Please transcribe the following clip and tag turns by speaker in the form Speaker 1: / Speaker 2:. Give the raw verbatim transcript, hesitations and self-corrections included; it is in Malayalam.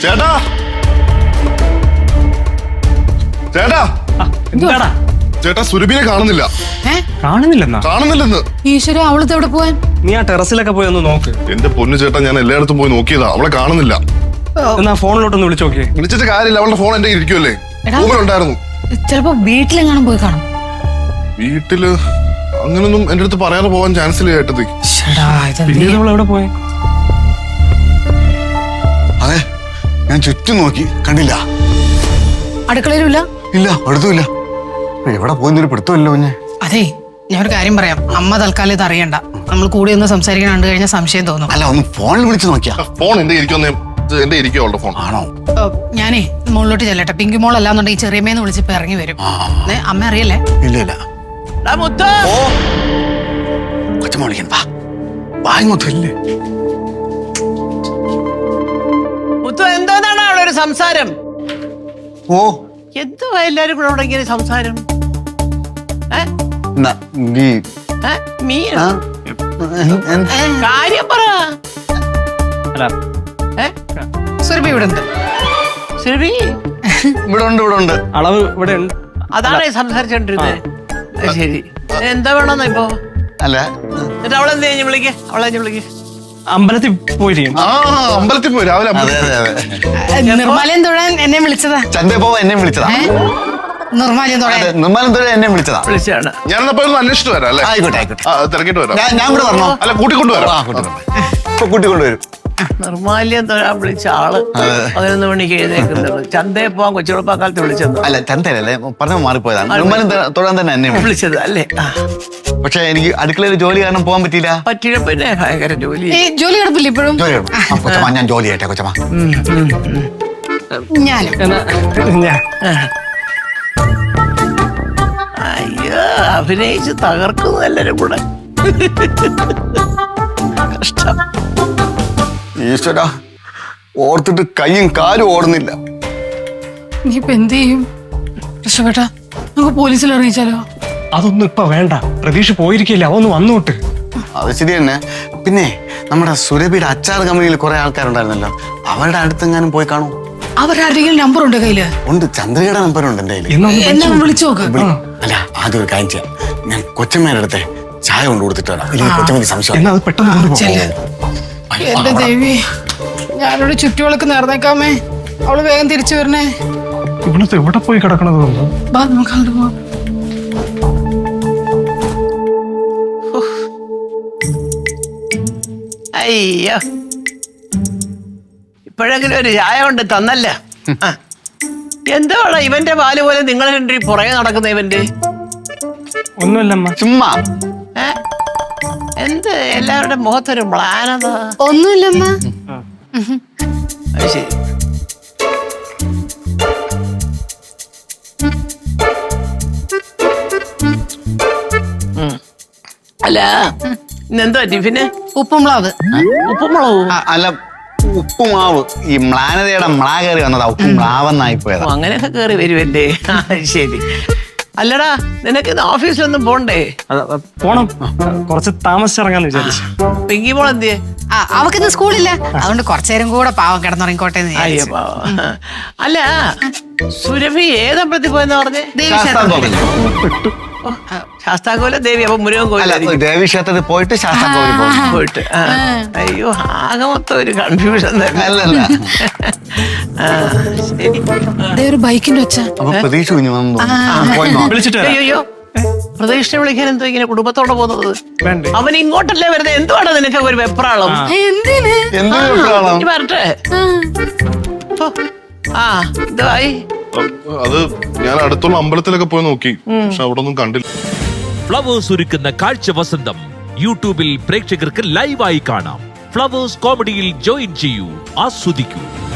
Speaker 1: ചേട്ടാ ചേട്ടാ
Speaker 2: എന്താടാ
Speaker 1: ചേട്ടാ സുരഭിനെ കാണുന്നില്ല.
Speaker 2: കാണുന്നില്ലെന്നാ?
Speaker 1: കാണുന്നില്ലെന്ന്.
Speaker 3: ഈശ്വര, അവളത്തെ എവിടെ പോവാൻ?
Speaker 2: നീ ആ ടെറസിലൊക്കെ പോയി ഒന്ന് നോക്ക്.
Speaker 1: എന്റെ പൊന്നു ചേട്ടാ, ഞാൻ എല്ലായിടത്തും പോയി നോക്കിയതാ, അവളെ കാണുന്നില്ല.
Speaker 2: എന്നാ ഫോണിലോട്ടൊന്ന് വിളിച്ചു നോക്കിയേ.
Speaker 1: വിളിച്ചിട്ട് കാര്യമില്ല, അവളുടെ ഫോൺ എന്റെ ഇരിക്കുമല്ലേ, റൂമിലുണ്ടായിരുന്നു.
Speaker 3: ചിലപ്പോ വീട്ടിലെങ്ങാനും പോയി കാണും.
Speaker 1: വീട്ടില് അങ്ങനൊന്നും എന്റെ അടുത്ത് പറയാതെ പോവാൻ ചാൻസ് ഇല്ല ചേട്ടത്തി.
Speaker 2: പിന്നീട് അവൾ എവിടെ പോയി?
Speaker 4: അതെ, ഞാൻ ചുറ്റും നോക്കി, കണ്ടില്ല.
Speaker 3: അടുക്കളയിലുമില്ല?
Speaker 4: ഇല്ല, അടുത്തുമില്ല. എവിടെ പോയെന്നൊരു പിടുത്തമല്ലോ കുഞ്ഞെ.
Speaker 3: അതെ, ഞാൻ ഒരു കാര്യം പറയാം. അമ്മ തൽക്കാലം ഇത് അറിയണ്ട. നമ്മൾ കൂടി ഒന്ന് സംസാരിക്കാൻ കണ്ടു കഴിഞ്ഞാൽ സംശയം തോന്നും.
Speaker 4: അല്ല, ഒന്ന് ഫോണിൽ വിളിച്ചു നോക്കിയാ.
Speaker 1: ഫോൺ എന്റെ ഇരിക്കുന്ന എന്റെ ഇരിക്കും അവളുടെ ഫോൺ.
Speaker 4: ആണോ?
Speaker 3: ഞാനേ മുകളിലോട്ട് ചെല്ലട്ടെ. പിങ്കി മോൾ അല്ലാന്നുണ്ടെങ്കിൽ ചെറിയമ്മേന്ന് വിളിച്ചിപ്പോ ഇറങ്ങി വരും. അമ്മ അറിയല്ലേ?
Speaker 4: ഇല്ല ഇല്ല. കൊച്ചമ്മ വിളിക്കണ്ട, വാ ഇങ്ങോട്ട്. ഇല്ലേ
Speaker 5: മുത്തു, എന്തോന്നാണ് അവിടെ ഒരു സംസാരം?
Speaker 4: ഓ,
Speaker 5: എന്തുവാ എല്ലാരും കൂടെ അവിടെ ഇങ്ങനെ സംസാരം? കാര്യം പറ.
Speaker 3: സുരഭി ഇവിടെ ഉണ്ട്.
Speaker 5: സുരഭി
Speaker 4: ഇവിടെ ഉണ്ട്, ഇവിടെ ഉണ്ട്.
Speaker 2: അളവ് ഇവിടെ ഉണ്ട്.
Speaker 5: അതാണ് സംസാരിച്ചോണ്ടിരുന്നത്. ശരി, എന്താ വേണമെന്നാ ഇപ്പൊ?
Speaker 4: അല്ല,
Speaker 5: എന്നിട്ട് അവളെന്ത് കഴിഞ്ഞ് വിളിക്കേ? അവളെ വിളിക്കേ.
Speaker 2: അമ്പലത്തിൽ പോയിരിക്കും.
Speaker 1: ആ, അമ്പലത്തിൽ പോയി രാവിലെ.
Speaker 4: അതെ അതെ അതെ.
Speaker 3: നിർമ്മാലയം തൊഴാൻ എന്നെ വിളിച്ചതാ.
Speaker 4: ചന്തപ്പോ എന്നെ വിളിച്ചതാ.
Speaker 3: നിർമ്മാലയം തൊഴാൻ
Speaker 4: നിർമ്മാലയം തൊഴാൻ എന്നെ വിളിച്ചതാ.
Speaker 5: വിളിച്ചാണ്.
Speaker 1: ഞാനെന്നപ്പോ ഒന്ന് അന്വേഷിച്ചിട്ട് വരാം അല്ലേ?
Speaker 4: ആയിക്കോട്ടെ ആയിക്കോട്ടെ.
Speaker 1: തിരക്കിട്ട് വരാം.
Speaker 4: ഞാൻ ഇവിടെ വരണോ?
Speaker 1: അല്ല, കൂട്ടിക്കൊണ്ടുവരാം.
Speaker 4: ഇപ്പൊ കൂട്ടിക്കൊണ്ടുവരും.
Speaker 5: നിർമ്മാല്യം തൊഴാൻ വിളിച്ച ആള് പതിനൊന്ന് മണിക്ക് എഴുന്നേക്കുന്നത്. ചന്തയെ പോവാൻ കൊച്ചുകുളപ്പാക്കാലത്ത് വിളിച്ചത്.
Speaker 4: അല്ല, ചന്തയല്ലേ, പറഞ്ഞ മാറിപ്പോയതാണ്. നിർമ്മാലയം തൊഴാൻ തന്നെ എന്നെ
Speaker 5: വിളിച്ചത് അല്ലേ?
Speaker 4: പക്ഷെ എനിക്ക് അടുക്കളയിൽ ജോലി കാരണം പോകാൻ പറ്റിയില്ല.
Speaker 5: പറ്റില്ല, പിന്നെ ഭയങ്കര ജോലി.
Speaker 3: ജോലി കിടപ്പില്ല ഇപ്പോഴും?
Speaker 4: ജോലി കൊച്ചമ്മ, ഞാൻ ജോലി ചെയ്യട്ടെ കൊച്ചമ്മ.
Speaker 3: ഞാനും.
Speaker 5: അയ്യോ, അഭിനയിച്ച് തകർക്കുന്നു എല്ലാരും കൂടെ. കഷ്ടം.
Speaker 4: ഈശ്വരാ, ഓർത്തിട്ട് കൈയും കാലും ഓടുന്നില്ല.
Speaker 3: നീ ഇപ്പൊ എന്ത് ചെയ്യും? രക്ഷപ്പെട്ടാ നമുക്ക് പോലീസിൽ അറിയിച്ചാലോ?
Speaker 2: അതൊന്നും ഇപ്പൊ വേണ്ട. പ്രതീക്ഷ പോയിരിക്കില്ല, അവന്ന് വന്നോട്ട്.
Speaker 4: അത് ശരി തന്നെ. പിന്നെ നമ്മുടെ സുരഭിയുടെ അച്ചാർ കമ്പനിയിൽ കുറെ ആൾക്കാരുണ്ടായിരുന്നല്ലോ, അവരുടെ അടുത്തെങ്ങാനും പോയി കാണൂ.
Speaker 3: അവരാരുടെയും നമ്പർ ഉണ്ട് കയ്യില്?
Speaker 4: ഉണ്ട്, ചന്ദ്രയുടെ നമ്പർ ഉണ്ട് എന്റെ കയ്യിൽ.
Speaker 3: എന്നാ വിളിച്ചു നോക്ക്.
Speaker 4: അല്ല, ആദ്യം ഒരു കാര്യം ചെയ്യാം. ഞാൻ കൊച്ചമ്മയുടെ അടുത്തെ ചായ കൊണ്ട് കൊടുത്തിട്ട് വരാം. ഇല്ലെങ്കിൽ കൊച്ചമ്മ സംശയം.
Speaker 2: എന്നാ അത് പെട്ടെന്ന്
Speaker 3: എന്റെ ദേവി, ഞാനോട് ചുറ്റുവിളക്ക് നേർന്നേക്കാമേ. അവള് വേഗം തിരിച്ചു വരണേ.
Speaker 2: ഇവിടുത്തെ എവിടെ പോയി കിടക്കണത്?
Speaker 3: നമുക്ക് അങ്ങോട്ട് പോവാം.
Speaker 5: അയ്യോ, ഇപ്പോഴെങ്കിലും ഒരു ചായ കൊണ്ട് തന്നല്ല. എന്താണ് ഇവന്റെ പാല് പോലെ നിങ്ങൾ രണ്ടു പുറകെ നടക്കുന്ന ഇവന്റെ?
Speaker 2: ഒന്നുമില്ലമ്മ,
Speaker 4: ചുമ്മാ.
Speaker 5: ഏ എന്ത് എല്ലാവരുടെ മുഖത്തൊരു മ്ലാനത?
Speaker 3: ഒന്നുമില്ലമ്മ.
Speaker 5: അത് ശരി. അല്ല, ഇന്നെന്തോ ടിഫിന്?
Speaker 3: ഉപ്പുമുളക്.
Speaker 5: ഉപ്പുമുളകും?
Speaker 4: അല്ല, ഉപ്പുമാവ്. ഈ മ്ലാനതയുടെ മ്ലാ കയറി വന്നതാ, ഉപ്പുമാവെന്നായി പോയതാ.
Speaker 5: അങ്ങനെയൊക്കെ കയറി വരുമല്ലേ? ശരി. അല്ലടാ, നിനക്ക് ഇന്ന് ഓഫീസിലൊന്നും പോണ്ടേ?
Speaker 2: പോണം, കുറച്ച് താമസിച്ചിറങ്ങാന്ന് വിചാരിച്ചു.
Speaker 5: പിങ്കി മോൾ എന്തിയെ?
Speaker 3: ആ, അവക്കിന്ന് സ്കൂളില്ല, അതുകൊണ്ട് കുറച്ചേരം കൂടെ പാവം കിടന്നുറങ്ങിക്കോട്ടെ.
Speaker 5: അയ്യോ പാവം. അല്ല, സുരഭി ഏതമ്പലത്തിൽ പോയെന്ന് പറഞ്ഞേ? ശാസ്താകോല ദേവി. അപ്പൊ മുരുകൻ കോയിലായിരിക്കും.
Speaker 4: ദേവി ക്ഷേത്രത്തിൽ പോയിട്ട് ശാസ്താകോവിൽ
Speaker 5: പോയിട്ട്. അയ്യോ, ആകെ മൊത്തം ഒരു കൺഫ്യൂഷൻ തന്നെ.
Speaker 4: അല്ലല്ല,
Speaker 3: ഒരു ബൈക്കിന്റെ ഒച്ച.
Speaker 4: അപ്പൊ പ്രതീക്ഷ കുഞ്ഞു വന്നു.
Speaker 2: വിളിച്ചിട്ട്
Speaker 5: അയ്യോ, പ്രതീക്ഷ വിളിക്കാൻ എന്തോ ഇങ്ങനെ കുടുംബത്തോടെ പോകുന്നത്? അവൻ ഇങ്ങോട്ടല്ലേ വരുന്നത്? എന്തുവാണ് നിനക്ക് ഒരു വെപ്രാളം?
Speaker 3: എന്തിന്?
Speaker 4: എന്ത്
Speaker 5: വരട്ടെ. ആ, ഇതായി.
Speaker 1: അത് ഞാൻ അടുത്തുള്ള അമ്പലത്തിലൊക്കെ പോയി നോക്കി, പക്ഷെ അവിടെ ഒന്നും കണ്ടില്ല.
Speaker 6: ഫ്ലവേഴ്സ് ഒരുക്കുന്ന കാഴ്ച വസന്തം യൂട്യൂബിൽ പ്രേക്ഷകർക്ക് ലൈവായി കാണാം. ഫ്ലവേഴ്സ് കോമഡിയിൽ ജോയിൻ ചെയ്യൂ, ആസ്വദിക്കൂ.